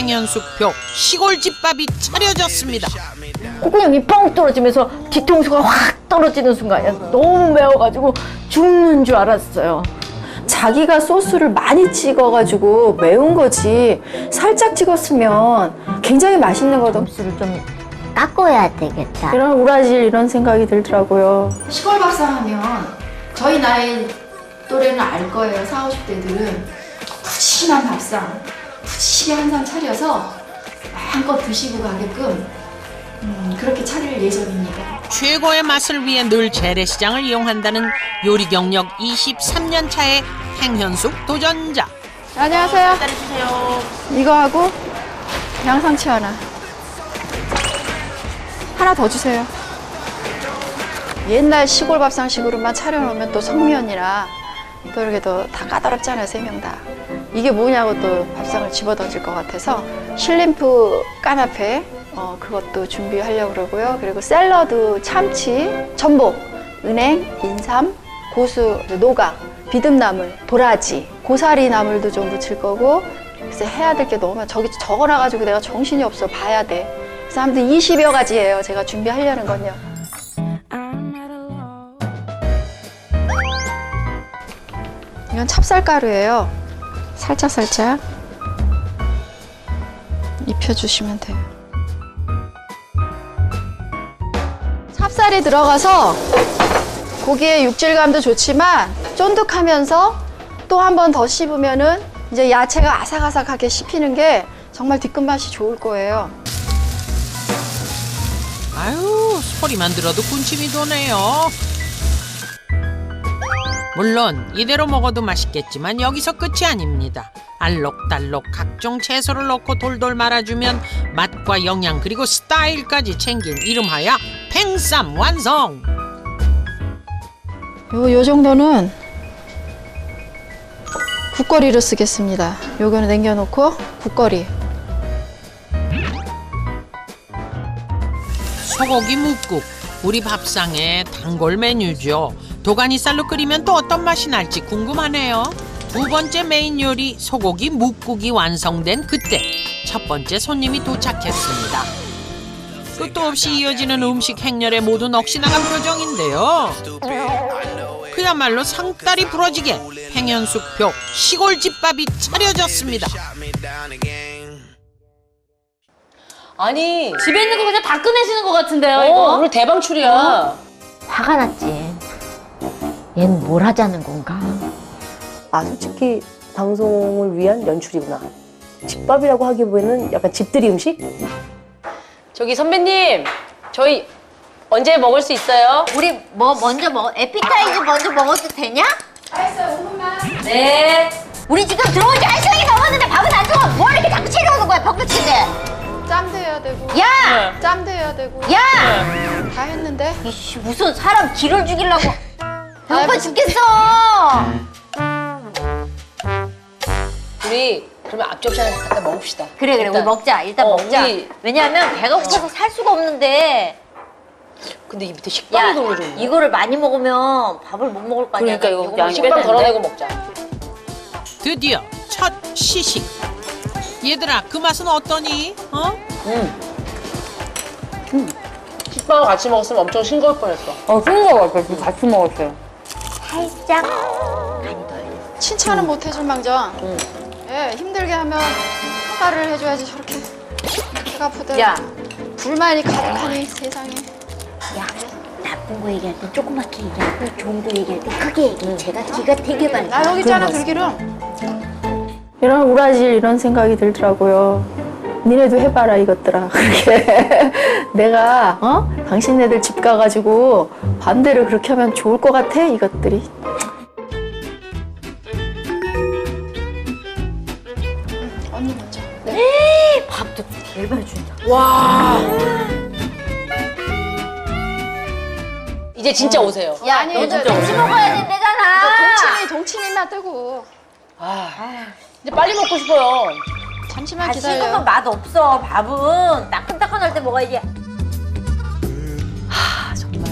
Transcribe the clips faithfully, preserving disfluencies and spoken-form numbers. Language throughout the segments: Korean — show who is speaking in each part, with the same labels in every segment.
Speaker 1: 팽현숙표 시골집밥이 차려졌습니다.
Speaker 2: 콧구멍이 뻥 떨어지면서 뒤통수가 확 떨어지는 순간이야. 너무 매워가지고 죽는 줄 알았어요.
Speaker 3: 자기가 소스를 많이 찍어가지고 매운 거지 살짝 찍었으면 굉장히 맛있는 거든.
Speaker 2: 점수를 좀 깎아야 되겠다.
Speaker 3: 이런 우라질 이런 생각이 들더라고요.
Speaker 4: 시골 밥상 하면 저희 나이 또래는 알 거예요. 사오십 대들은 푸짐한 밥상, 푸짐히 한 상 차려서 마음껏 드시고 가게끔 음, 그렇게 차릴 예정입니다.
Speaker 1: 최고의 맛을 위해 늘 재래시장을 이용한다는 요리 경력 이십삼 년 차의 팽현숙 도전자.
Speaker 3: 안녕하세요. 기다려주세요. 이거 하고 양상추 하나. 하나 더 주세요. 옛날 시골 밥상식으로만 차려놓으면 또 성면이라 또 이렇게 또 다 까다롭잖아요, 세 명 다. 이게 뭐냐고 또 밥상을 집어던질 것 같아서 실림프 까나페 어, 그것도 준비하려고 그러고요. 그리고 샐러드, 참치, 전복, 은행, 인삼, 고수, 노각, 비듬나물, 도라지, 고사리 나물도 좀 묻힐 거고. 그래서 해야 될 게 너무 많아. 저기 적어놔가지고 내가 정신이 없어. 봐야 돼. 그래서 아무튼 이십여 가지예요. 제가 준비하려는 건요. 이건 찹쌀가루예요. 살짝 살짝 입혀주시면 돼요. 찹쌀이 들어가서 고기의 육질감도 좋지만 쫀득하면서 또 한 번 더 씹으면은 이제 야채가 아삭아삭하게 씹히는 게 정말 뒤끝맛이 좋을 거예요.
Speaker 1: 아유, 소리만 들어도 군침이 도네요. 물론 이대로 먹어도 맛있겠지만 여기서 끝이 아닙니다. 알록달록 각종 채소를 넣고 돌돌 말아주면 맛과 영양 그리고 스타일까지 챙긴 이름하여 팽쌈 완성!
Speaker 3: 요, 요 정도는 국거리로 쓰겠습니다. 요거는 남겨놓고 국거리.
Speaker 1: 소고기 묵국, 우리 밥상의 단골 메뉴죠. 도가니살로 끓이면 또 어떤 맛이 날지 궁금하네요. 두 번째 메인 요리 소고기 묵국이 완성된 그때 첫 번째 손님이 도착했습니다. 끝도 없이 이어지는 음식 행렬에 모두 넋이 나간 표정인데요. 그야말로 상다리 부러지게 팽현숙표 시골집밥이 차려졌습니다.
Speaker 5: 아니,
Speaker 6: 집에 있는 거 그냥 다 꺼내시는 것 같은데요,
Speaker 5: 어,
Speaker 6: 이거?
Speaker 5: 오늘 대방출이야.
Speaker 6: 어?
Speaker 2: 화가 났지. 얘는 뭘 하자는 건가?
Speaker 7: 아, 솔직히 방송을 위한 연출이구나. 집밥이라고 하기보다는 약간 집들이 음식?
Speaker 5: 저기 선배님, 저희 언제 먹을 수 있어요?
Speaker 2: 우리 뭐 먼저 먹어? 에피타이즈 먼저 먹어도 되냐?
Speaker 5: 네.
Speaker 2: 우리 지금 들어온 지 한 시간이 넘었는데 밥은 안 줘. 뭘 이렇게 자꾸 채려오는 거야, 벙긋치게.
Speaker 3: 짬도 해야 되고.
Speaker 2: 야!
Speaker 3: 짬도 해야 되고.
Speaker 2: 야!
Speaker 3: 다 했는데.
Speaker 2: 이씨, 무슨 사람 기를 죽이려고. 배고파 죽겠어.
Speaker 5: 우리 그러면 앞접시 하나 갖다 먹읍시다.
Speaker 2: 그래, 그래, 우리
Speaker 5: 일단.
Speaker 2: 먹자. 일단
Speaker 5: 어,
Speaker 2: 먹자.
Speaker 5: 우리-
Speaker 2: 왜냐하면 배가 고파서 살 수가 없는데.
Speaker 5: 근데 이 밑에
Speaker 2: 야,
Speaker 5: 식빵이 돌려줬네.
Speaker 2: 이거를 많이 먹으면 밥을 못 먹을 거 아니야.
Speaker 5: 그러니까 이거
Speaker 2: 이거
Speaker 5: 양이 식빵
Speaker 2: 빼야 되는데.
Speaker 5: 덜어내고 먹자.
Speaker 1: 드디어 첫 시식. 얘들아 그 맛은 어떠니? 어?
Speaker 5: 음. 음. 식빵을 같이 먹었으면 엄청 싱거울 뻔했어.
Speaker 7: 어, 싱거워. 같이, 같이 먹었어요.
Speaker 2: 살짝.
Speaker 3: 칭찬은 못 해줄 망정.
Speaker 5: 응.
Speaker 3: 예, 힘들게 하면 평가를 해줘야지 저렇게 배가 부대.
Speaker 2: 야.
Speaker 3: 불만이 가득하니 세상에.
Speaker 2: 야, 나쁜 거 얘기할 때 조그맣게 얘기하고 좋은 거 얘기할 때 크게 얘기해. 제가 기가 되게 많이.
Speaker 3: 나 여기 있잖아 들기름. 이런 우라질 이런 생각이 들더라고요. 니네도 해봐라 이것들아. 그렇게 내가 어 당신네들 집 가가지고 반대로 그렇게 하면 좋을 것 같아 이것들이. 응, 언니 먼저. 네.
Speaker 2: 밥도 얼마나 준다.
Speaker 5: 와. 이제 진짜 오세요.
Speaker 2: 야,
Speaker 3: 아니,
Speaker 2: 너도
Speaker 3: 이제
Speaker 2: 같이 먹어야 된다잖아.
Speaker 3: 동치미 동치미만 뜨고.
Speaker 5: 아, 이제 빨리 먹고 싶어요.
Speaker 3: 잠시만
Speaker 2: 다
Speaker 3: 기다려.
Speaker 2: 식으면 맛 없어. 밥은 따끈따끈할 때 먹어야지.
Speaker 5: 아, 정말.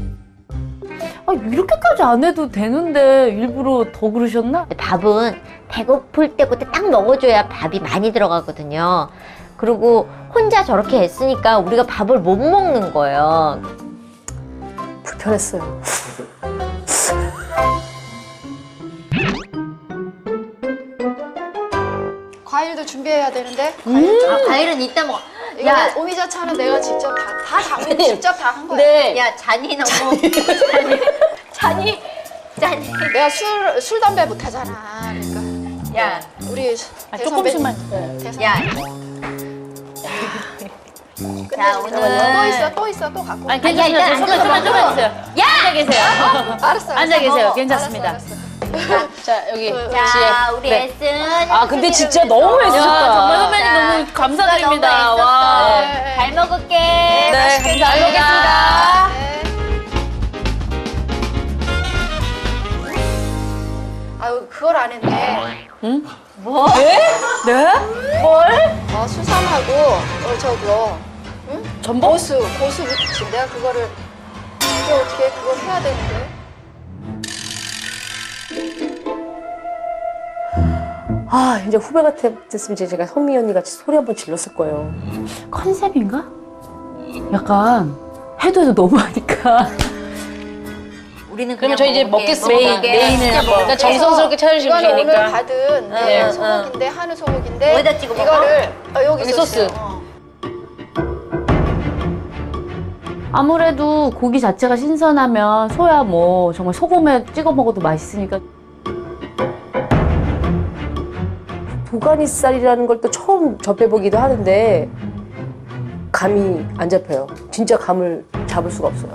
Speaker 6: 아, 이렇게까지 안 해도 되는데 일부러 더 그러셨나?
Speaker 2: 밥은
Speaker 8: 배고플 때 그때 딱 먹어줘야 밥이 많이 들어가거든요. 그리고 혼자 저렇게 애쓰니까 우리가 밥을 못 먹는 거예요.
Speaker 7: 불편했어요.
Speaker 3: 과일도 준비해야 되는데.
Speaker 8: 아, 과일은 이따 먹어.
Speaker 3: 이거
Speaker 8: 야.
Speaker 3: 오미자차는 내가 직접 다, 다 담고 직접 다 한 거야.
Speaker 8: 네. 야, 잔이 너무. 잔이. 잔이. 잔이.
Speaker 3: 내가 술, 술 담배 못 하잖아. 그러니까.
Speaker 8: 야.
Speaker 3: 우리
Speaker 6: 아,
Speaker 3: 대선배-
Speaker 6: 조금씩만.
Speaker 3: 대선-
Speaker 8: 야.
Speaker 3: 끝내주자.
Speaker 8: 자, 오늘-
Speaker 3: 또 있어, 또 있어, 또 갖고.
Speaker 6: 아니,
Speaker 3: 와.
Speaker 8: 야, 일단
Speaker 6: 괜찮습니다.
Speaker 8: 앉아서
Speaker 6: 조금만 좀
Speaker 8: 먹어.
Speaker 6: 해주세요.
Speaker 8: 야!
Speaker 6: 앉아 계세요.
Speaker 3: 알았어.
Speaker 6: 앉아 계세요.
Speaker 3: 먹어.
Speaker 6: 괜찮습니다.
Speaker 3: 알았어, 알았어.
Speaker 6: 자, 여기.
Speaker 8: 자, 우리
Speaker 6: 네.
Speaker 8: 애쓴.
Speaker 5: 아 근데 진짜 너무
Speaker 6: 야,
Speaker 5: 애쓰셨다.
Speaker 6: 정말 선배님
Speaker 8: 자,
Speaker 6: 너무 감사드립니다.
Speaker 8: 너무
Speaker 6: 와.
Speaker 3: 네.
Speaker 8: 잘 먹을게.
Speaker 6: 네,
Speaker 3: 맛있게
Speaker 6: 감사합니다.
Speaker 3: 잘 먹겠습니다. 네. 아유, 그걸 안 했네.
Speaker 8: 뭐?
Speaker 6: 네?
Speaker 3: 어, 수삼하고, 어, 저거, 응?
Speaker 6: 전복?
Speaker 3: 고수, 고수 무침. 내가 그거를, 이게 어떻게, 그걸 해야 되는데.
Speaker 7: 아 이제 후배 같았으면 이제 제가 선미 언니 같이 소리 한번 질렀을 거예요.
Speaker 6: 컨셉인가? 약간 해도 해도 너무하니까.
Speaker 8: 우리는
Speaker 5: 그러면
Speaker 8: 그냥
Speaker 5: 저희 이제
Speaker 8: 먹을게,
Speaker 5: 먹겠습니다.
Speaker 8: 먹을게.
Speaker 6: 메인을
Speaker 8: 진짜
Speaker 6: 한번.
Speaker 8: 먹을게.
Speaker 5: 그러니까 정성스럽게 차려주시면
Speaker 3: 이거는 오늘
Speaker 5: 되니까.
Speaker 3: 받은
Speaker 8: 응,
Speaker 3: 네,
Speaker 8: 응,
Speaker 3: 소고기인데, 한우 소고기인데.
Speaker 8: 어디다 찍어 먹어?
Speaker 3: 이거를, 어, 여기,
Speaker 5: 여기
Speaker 3: 소스.
Speaker 5: 소스.
Speaker 3: 어.
Speaker 6: 아무래도 고기 자체가 신선하면 소야 뭐 정말 소금에 찍어 먹어도 맛있으니까.
Speaker 7: 도가니살이라는 걸 또 처음 접해보기도 하는데 감이 안 잡혀요. 진짜 감을 잡을 수가 없어요.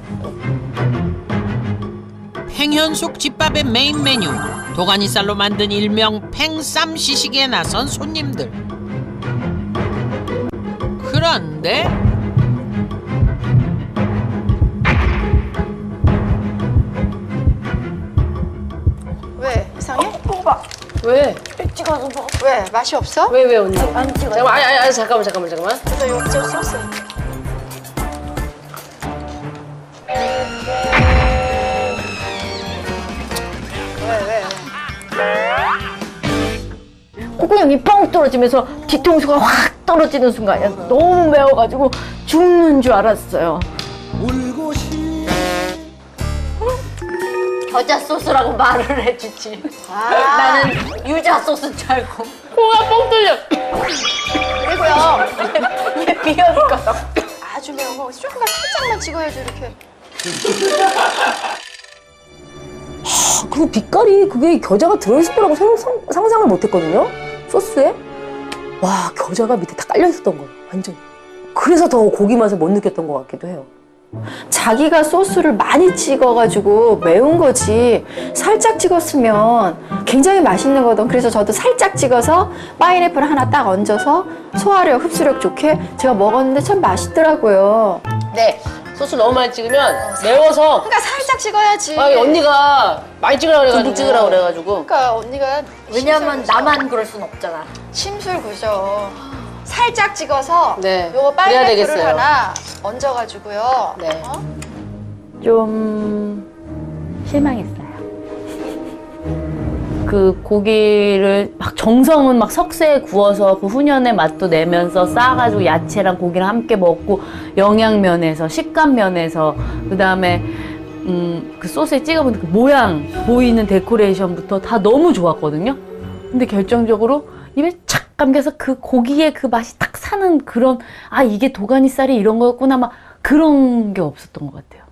Speaker 1: 팽현숙 집밥의 메인 메뉴 도가니살로 만든 일명 팽쌈 시식에 나선 손님들. 그런데
Speaker 3: 왜? 이상해?
Speaker 5: 왜?
Speaker 3: 왜? 맛이 없어?
Speaker 5: 왜 왜 언니? 잠깐만 아니 아니 아니 잠깐만 잠깐만 잠깐만.
Speaker 3: 그래서 요저 소스. 왜, 왜, 왜?
Speaker 2: 콧구멍이 뻥 떨어지면서 뒤통수가 확 떨어지는 순간이야. 너무 매워가지고 죽는 줄 알았어요.
Speaker 8: 겨자 소스라고 말을 해주지.
Speaker 3: 아,
Speaker 8: 나는 유자 소스인 줄 알고.
Speaker 6: 코가 뻥 뚫려.
Speaker 3: 그리고요.
Speaker 8: 얘 비어니까.
Speaker 3: 아주 매운 거 조금만 살짝만 찍어야지, 이렇게.
Speaker 7: 그 빛깔이 그게 겨자가 들어있을 거라고 상상, 상상을 못했거든요. 소스에. 와 겨자가 밑에 다 깔려 있었던 거예요. 완전. 그래서 더 고기 맛을 못 느꼈던 것 같기도 해요.
Speaker 4: 자기가 소스를 많이 찍어가지고 매운 거지 살짝 찍었으면 굉장히 맛있는 거든. 그래서 저도 살짝 찍어서 파인애플 하나 딱 얹어서 소화력, 흡수력 좋게 제가 먹었는데 참 맛있더라고요.
Speaker 5: 네. 소스 너무 많이 찍으면 매워서
Speaker 3: 그러니까 살짝 찍어야지.
Speaker 5: 아 언니가 많이 찍으라 그래가지고
Speaker 7: 듬뿍 찍으라고
Speaker 5: 그래가지고
Speaker 3: 그러니까 언니가
Speaker 8: 왜냐면 나만 그럴 순 없잖아.
Speaker 3: 심술 구죠. 살짝 찍어서
Speaker 5: 네,
Speaker 3: 요거
Speaker 5: 그래야
Speaker 3: 파인애플을
Speaker 5: 되겠어요.
Speaker 3: 하나 얹어가지고요.
Speaker 5: 네.
Speaker 3: 어?
Speaker 6: 좀 실망했어요. 그 고기를 막 정성은 막 석쇠에 구워서 그 훈연의 맛도 내면서 싸가지고 야채랑 고기랑 함께 먹고 영양 면에서 식감 면에서 그 다음에 음, 그 소스에 찍어보는 그 모양 보이는 데코레이션부터 다 너무 좋았거든요. 근데 결정적으로 입에 착 감겨서 그 고기의 그 맛이 딱 사는 그런 아 이게 도가니살이 이런 거였구나 막 그런 게 없었던 것 같아요.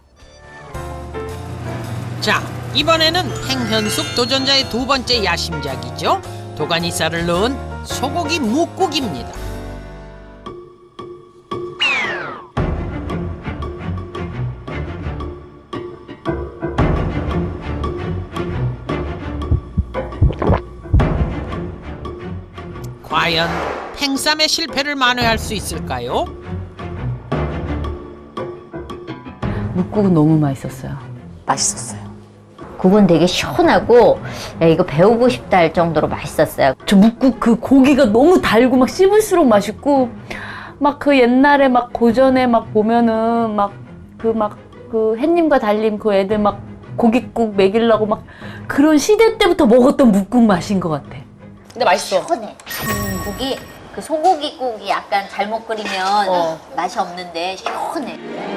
Speaker 1: 자, 이번에는 팽현숙 도전자의 두 번째 야심작이죠. 도가니살을 넣은 소고기 묵국입니다. 과연 팽쌈의 실패를 만회할 수 있을까요?
Speaker 6: 묵국은 너무 맛있었어요.
Speaker 7: 맛있었어요.
Speaker 8: 국은 되게 시원하고 야, 이거 배우고 싶다 할 정도로 맛있었어요.
Speaker 6: 저 묵국 그 고기가 너무 달고 막 씹을수록 맛있고 막 그 옛날에 막 고전에 막 보면은 막 그 막 그 햇님과 달님 그 애들 막 고깃국 먹이려고 막 그런 시대 때부터 먹었던 묵국 맛인 것 같아.
Speaker 7: 근데 맛있어.
Speaker 8: 시원해. 국이 그 소고기 국이 약간 잘못 끓이면
Speaker 7: 어.
Speaker 8: 맛이 없는데 시원해.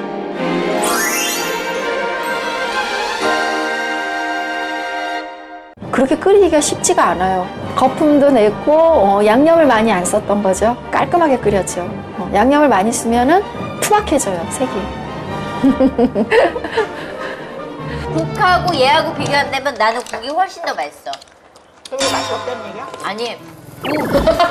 Speaker 3: 그렇게 끓이기가 쉽지가 않아요. 거품도 내고 어, 양념을 많이 안 썼던 거죠. 깔끔하게 끓였죠. 어, 양념을 많이 쓰면은 투박해져요, 색이.
Speaker 8: 국하고 얘하고 비교한다면 나는 국이 훨씬 더 맛있어.
Speaker 4: 그게 맛이 없다는 얘기야?
Speaker 8: 아니, 국.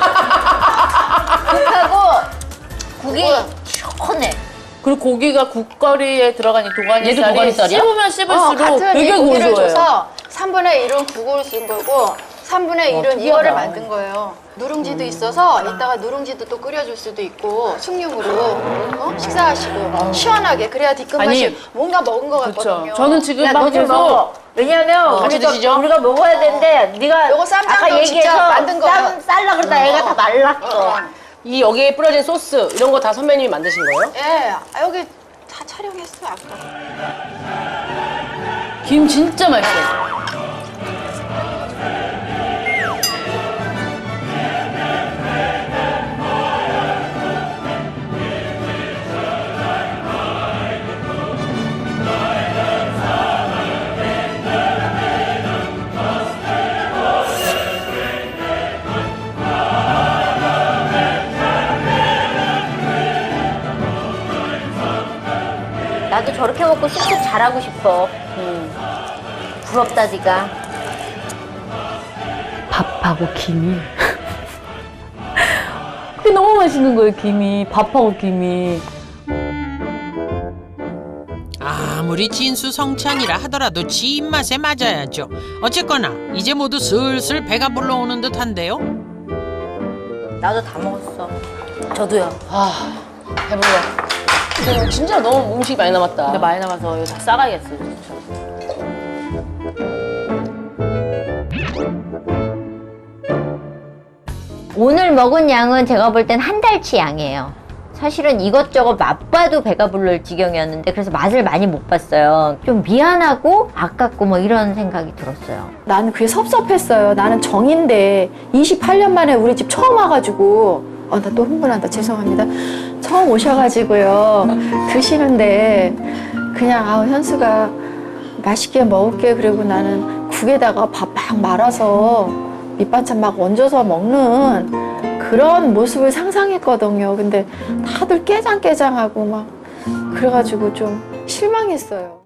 Speaker 8: 국하고 국이 시원해.
Speaker 6: 그리고 고기가 국거리에 들어간 이
Speaker 7: 얘도
Speaker 6: 도가니살이
Speaker 7: 도가니살이야?
Speaker 6: 씹으면
Speaker 3: 어,
Speaker 6: 씹을수록
Speaker 3: 같은
Speaker 6: 되게
Speaker 3: 이 고기를
Speaker 6: 고소해요.
Speaker 3: 줘서 삼분의 일은 국을 쓴 거고 삼분의 일은
Speaker 7: 특이하다.
Speaker 3: 이어를 만든 거예요. 누룽지도 있어서 이따가 누룽지도 또 끓여줄 수도 있고 숭늉으로 어? 식사하시고 시원하게 그래야 뒷끝맛이
Speaker 6: 아니,
Speaker 3: 뭔가 먹은 것
Speaker 6: 그렇죠.
Speaker 3: 같거든요.
Speaker 6: 저는 지금
Speaker 8: 야,
Speaker 6: 막
Speaker 8: 너 좀
Speaker 6: 계속
Speaker 8: 먹어. 왜냐면
Speaker 7: 같이
Speaker 8: 우리가,
Speaker 7: 드시죠?
Speaker 8: 우리가 먹어야 되는데 네가
Speaker 3: 요거 쌈장도
Speaker 8: 아까
Speaker 3: 직접
Speaker 8: 얘기해서
Speaker 3: 만든 거예요.
Speaker 8: 쌈 쌀라 그러다 애가 다 말랐어.
Speaker 7: 이 여기에 뿌려진 소스 이런 거 다 선배님이 만드신 거예요?
Speaker 3: 예, 아, 여기 다 촬영했어요 아까.
Speaker 6: 김 진짜 맛있어요.
Speaker 8: 나도 저렇게 먹고 쑥쑥 잘하고 싶어. 음. 부럽다 네가.
Speaker 6: 밥하고 김이. 그게 너무 맛있는 거예요, 김이. 밥하고 김이.
Speaker 1: 아무리 진수성찬이라 하더라도 지 입맛에 맞아야죠. 어쨌거나 이제 모두 슬슬 배가 불러오는 듯한데요.
Speaker 8: 나도 다 먹었어.
Speaker 7: 저도요. 아 배불러. 근데 진짜 너무 음식이 많이 남았다.
Speaker 6: 근데 많이 남아서 이거 다 싸가야겠어요, 진짜.
Speaker 8: 오늘 먹은 양은 제가 볼 땐 한 달치 양이에요. 사실은 이것저것 맛봐도 배가 부를 지경이었는데 그래서 맛을 많이 못 봤어요. 좀 미안하고 아깝고 뭐 이런 생각이 들었어요.
Speaker 3: 나는 그게 섭섭했어요. 나는 정인데 이십팔 년 만에 우리 집 처음 와가지고 어, 나 또 흥분한다. 죄송합니다. 처음 오셔가지고요. 드시는데 그냥 아 현수가 맛있게 먹을게. 그리고 나는 국에다가 밥 막 말아서 밑반찬 막 얹어서 먹는 그런 모습을 상상했거든요. 근데 다들 깨장깨장하고 막 그래가지고 좀 실망했어요.